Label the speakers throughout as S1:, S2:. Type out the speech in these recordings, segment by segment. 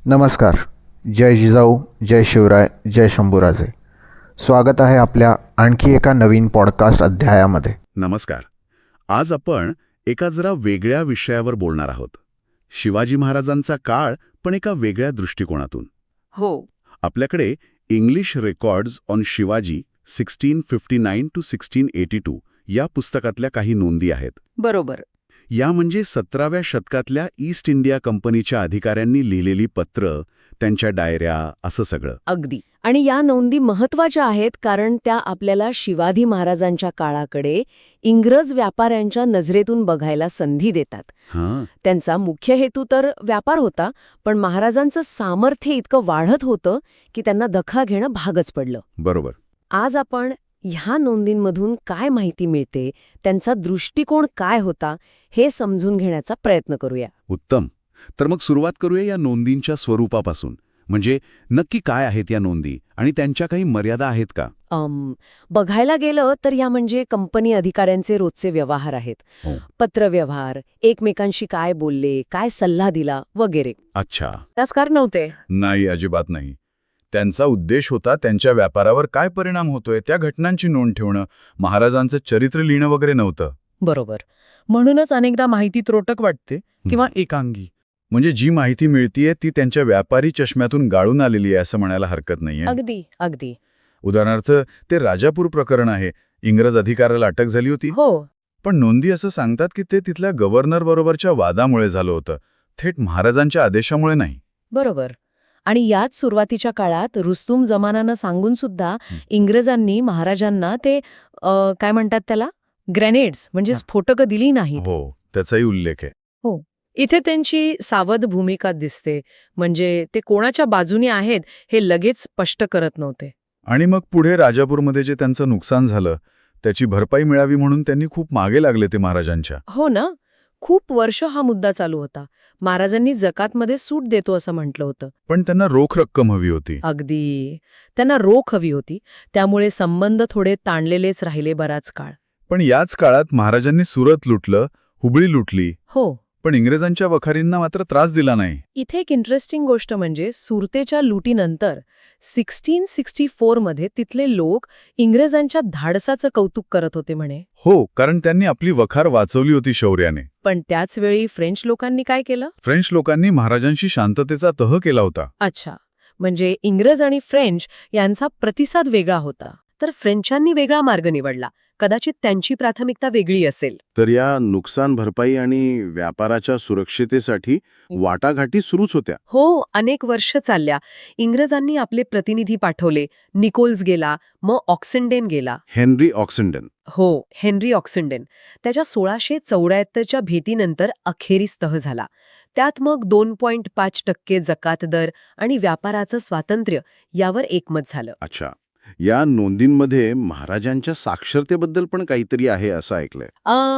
S1: नमस्कार. जय जिजाऊ, जय शिवराय, जय शंभूराजे. स्वागत आहे आपल्या आणखी एका नवीन पॉडकास्ट अध्यायामध्ये.
S2: नमस्कार. आज आपण एका जरा वेगळ्या विषयावर बोलणार आहोत. शिवाजी महाराजांचा काळ, पण एका वेगळ्या दृष्टिकोनातून.
S3: हो.
S2: आपल्याकडे English records on Shivaji 1659 to 1682 या पुस्तकातल्या काही नोंदी आहेत.
S3: बरोबर.
S2: या म्हणजे 17व्या शतकातल्या ईस्ट इंडिया कंपनीच्या अधिकाऱ्यांनी लिहिलेली पत्र, त्यांच्या डायऱ्या, असं सगळं.
S3: अगदी. आणि या नोंदी महत्वाच्या आहेत कारण त्या आपल्याला शिवाजी महाराजांच्या काळाकडे इंग्रज व्यापाऱ्यांच्या नजरेतून बघायला संधी देतात.
S2: हां,
S3: त्यांचा मुख्य हेतू तर व्यापार होता, पण महाराजांचं सामर्थ्य इतकं वाढत होतं की त्यांना दखल घेणं भागच पडलं.
S2: बरोबर.
S3: आज आपण ह्या नोंदींमधून काय माहिती मिळते, त्यांचा दृष्टिकोन काय होता, हे समजून घेण्याचा प्रयत्न करूया.
S2: उत्तम. तर मग सुरुवात करूया या नोंदींच्या स्वरूपापासून. म्हणजे नक्की काय आहेत या नोंदी आणि त्यांच्या काही मर्यादा आहेत का?
S3: बघायला गेलं तर या म्हणजे कंपनी अधिकाऱ्यांचे रोजचे व्यवहार आहेत.
S2: हो.
S3: पत्रव्यवहार, एकमेकांशी काय बोलले, काय सल्ला दिला वगैरे.
S2: अच्छा.
S3: राजकारण नव्हते.
S4: नाही, अजिबात नाही. त्यांचा उद्देश होता त्यांच्या व्यापारावर काय परिणाम होतोय त्या घटनांची नोंद ठेवणं. महाराजांचं चरित्र लिहिणं वगैरे नव्हतं.
S5: बरोबर. म्हणूनच अनेकदा माहिती त्रोटक वाटते किंवा एकांगी.
S4: म्हणजे जी माहिती मिळतीये ती त्यांच्या व्यापारी चष्म्यातून गाळून आलेली आहे असं म्हणायला हरकत नाहीये.
S3: अगदी अगदी.
S4: उदाहरणार्थ ते राजापूर प्रकरण आहे. इंग्रज अधिकाऱ्याला अटक झाली होती,
S3: हो.
S4: पण नोंदी असं सांगतात की ते तिथल्या गव्हर्नर बरोबरच्या वादामुळे झालं होतं, थेट महाराजांच्या आदेशामुळे नाही.
S3: बरोबर. आणि याच सुरुवातीच्या काळात रुस्तुम जमानानं सांगून सुद्धा इंग्रजांनी महाराजांना ते काय म्हणतात त्याला, ग्रेनेड्स म्हणजे स्फोटकं दिली नाहीत.
S4: हो, त्याचाही उल्लेख आहे.
S5: इथे त्यांची सावध भूमिका दिसते. म्हणजे ते कोणाच्या बाजूने आहेत हे लगेच स्पष्ट करत नव्हते.
S4: आणि मग पुढे राजापूरमध्ये जे त्यांचं नुकसान झालं त्याची भरपाई मिळावी म्हणून त्यांनी खूप मागे लागले ते महाराजांच्या.
S5: हो ना. खूप वर्ष हा मुद्दा चालू होता. महाराजांनी जकातमध्ये सूट देतो असं म्हटलं होतं.
S4: पण त्यांना रोख रक्कम हवी होती.
S5: अगदी. त्यांना रोख हवी होती. त्यामुळे संबंध थोडे ताणलेलेच राहिले बराच काळ.
S4: पण याच काळात महाराजांनी सुरत लुटलं, हुबळी लुटली,
S5: हो.
S4: पण इंग्रजांच्या वखारींना मात्र त्रास दिला नाही.
S5: इथे एक इंटरेस्टिंग गोष्ट म्हणजे सुरतेच्या लुटीनंतर 1664 मध्ये तिथले लोक इंग्रजांच्या धाडसाचं कौतुक करत होते म्हणे.
S4: हो, कारण त्यांनी आपली वखार वाचवली होती शौर्याने.
S5: पण त्याच वेळी फ्रेंच लोकांनी काय केलं?
S4: फ्रेंच लोकांनी महाराजांशी शांततेचा तह केला होता.
S5: अच्छा. म्हणजे इंग्रज आणि फ्रेंच यांचा प्रतिसाद वेगळा होता. तर फ्रेंचांनी वेगळा मार्ग निवडला. कदाचित त्यांची प्राथमिकता वेगळी असेल.
S2: तर या नुकसान भरपाई आणि व्यापाराच्या सुरक्षितेसाठी वाटाघाटी सुरूच होत्या.
S5: हो, अनेक वर्ष चालल्या. इंग्रजांनी आपले प्रतिनिधी पाठवले. निकोल्स गेला, मग ऑक्सिंडेन गेला.
S2: Henry Oxenden.
S5: हो, हेनरी ऑक्सिंडेन. त्याच्या 1674च्या भेटीनंतर अखेरीस तह झाला. त्यात मग 2.5% जकात दर आणि व्यापाराचं स्वातंत्र्य यावर एकमत झालं.
S2: अच्छा. या नोंदींमध्ये महाराजांच्या साक्षरतेबद्दल पण काहीतरी आहे असं ऐकलंय.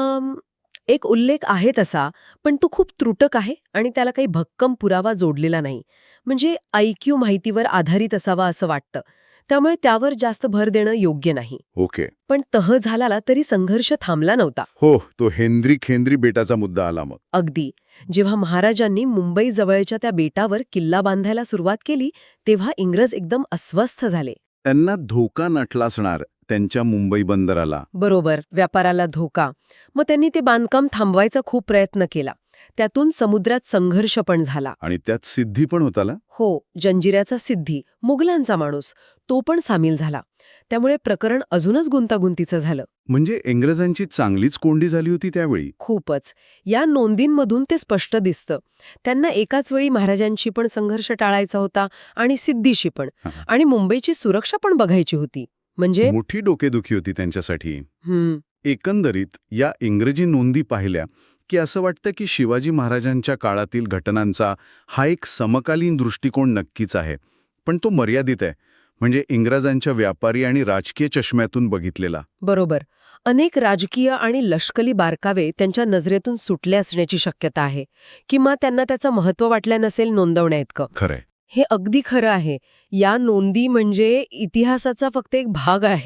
S5: एक उल्लेख आहे तसा, पण तो खूप त्रुटक आहे आणि त्याला काही भक्कम पुरावा जोडलेला नाही. म्हणजे IQ माहितीवर आधारित असावा असं वाटतं. त्यामुळे त्यावर जास्त भर देणं योग्य नाही.
S2: ओके.
S5: पण तह झाला तरी संघर्ष थांबला नव्हता.
S2: हो, तो हेनरी बेटाचा मुद्दा आला मग.
S5: अगदी. जेव्हा महाराजांनी मुंबई जवळच्या त्या बेटावर किल्ला बांधायला सुरुवात केली, तेव्हा इंग्रज एकदम अस्वस्थ झाले.
S2: त्यांना धोका नटला असणार त्यांच्या मुंबई बंदराला.
S5: बरोबर, व्यापाराला धोका. मग त्यांनी ते बांधकाम थांबवायचा खूप प्रयत्न केला. त्यातून समुद्रात संघर्ष पण झाला.
S2: आणि त्यात सिद्धी पण होताला.
S5: हो, जंजिऱ्याचा सिद्धी, मुघलांचा माणूस, तो पण सामील झाला. त्यामुळे प्रकरण अजूनच गुंतागुंतीचं झालं.
S2: म्हणजे इंग्रजांची चांगलीच कोंडी झाली होती त्यावेळी.
S5: खूपच. या नोंदींमधून ते स्पष्ट दिसतं. त्यांना एकाच वेळी महाराजांशी पण संघर्ष टाळायचा होता आणि सिद्धीशी पण. आणि मुंबईची सुरक्षा पण बघायची होती. म्हणजे
S2: मोठी डोकेदुखी होती त्यांच्यासाठी. एकंदरीत या इंग्रजी नोंदी पाहिल्या की असं वाटतं की शिवाजी महाराजांच्या काळातील घटनांचा हा एक समकालीन दृष्टिकोन नक्कीच आहे, पण तो मर्यादित आहे. म्हणजे इंग्रजांच्या व्यापारी आणि राजकीय चष्म्यातून बघितलेला.
S5: बरोबर. अनेक राजकीय आणि लष्करी बारकावे त्यांच्या नजरेतून सुटले असण्याची शक्यता आहे. किंवा त्यांना त्याचं महत्त्व वाटलं नसेल नोंदवण्याइतकं.
S2: खरंय.
S5: हे अगदी खरं आहे. या नोंदी म्हणजे इतिहासाचा फक्त एक भाग आहेत.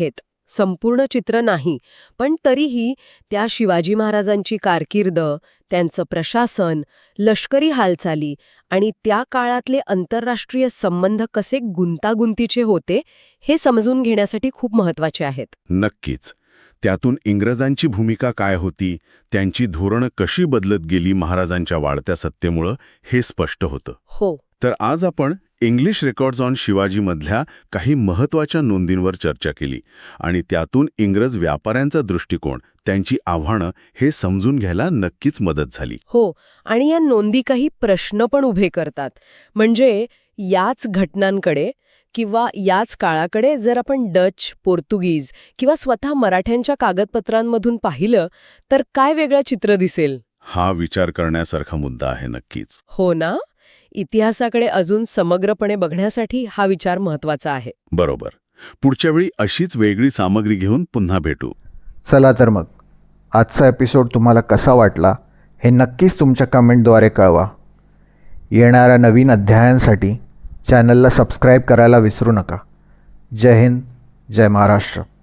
S5: संपूर्ण चित्र नाही, पण तरीही त्या शिवाजी महाराजांची कारकीर्द, त्यांचं प्रशासन, लष्करी हालचाली आणि त्या काळातले आंतरराष्ट्रीय संबंध कसे गुंतागुंतीचे होते हे समजून घेण्यासाठी खूप महत्वाचे आहेत.
S2: नक्कीच. त्यातून इंग्रजांची भूमिका काय होती, त्यांची धोरणं कशी बदलत गेली महाराजांच्या वाढत्या सत्तेमुळं, हे स्पष्ट होतं.
S5: हो.
S2: तर आज आपण इंग्लिश रेकॉर्ड्स ऑन शिवाजीमधल्या काही महत्त्वाच्या नोंदींवर चर्चा केली आणि त्यातून इंग्रज व्यापाऱ्यांचा दृष्टिकोन, त्यांची आव्हानं हे समजून घ्यायला नक्कीच मदत झाली.
S5: हो, आणि या नोंदी काही प्रश्न पण उभे करतात. म्हणजे याच घटनांकडे किंवा याच काळाकडे जर आपण डच, पोर्तुगीज किंवा स्वतः मराठ्यांच्या कागदपत्रांमधून पाहिलं तर काय वेगळं चित्र दिसेल?
S2: हा विचार करण्यासारखा मुद्दा आहे नक्कीच.
S5: हो ना? इतिहासाकडे अजून समग्रपणे बघण्यासाठी हा विचार महत्वाचा आहे.
S2: बरोबर. पुढच्या वेळी अशीच वेगळी सामग्री घेऊन पुन्हा भेटू.
S1: चला तर मग आजचा एपिसोड तुम्हाला कसा वाटला हे नक्कीच तुमच्या कमेंटद्वारे कळवा. येणाऱ्या नवीन अध्यायांसाठी चॅनलला सबस्क्राईब करायला विसरू नका. जय हिंद, जय महाराष्ट्र.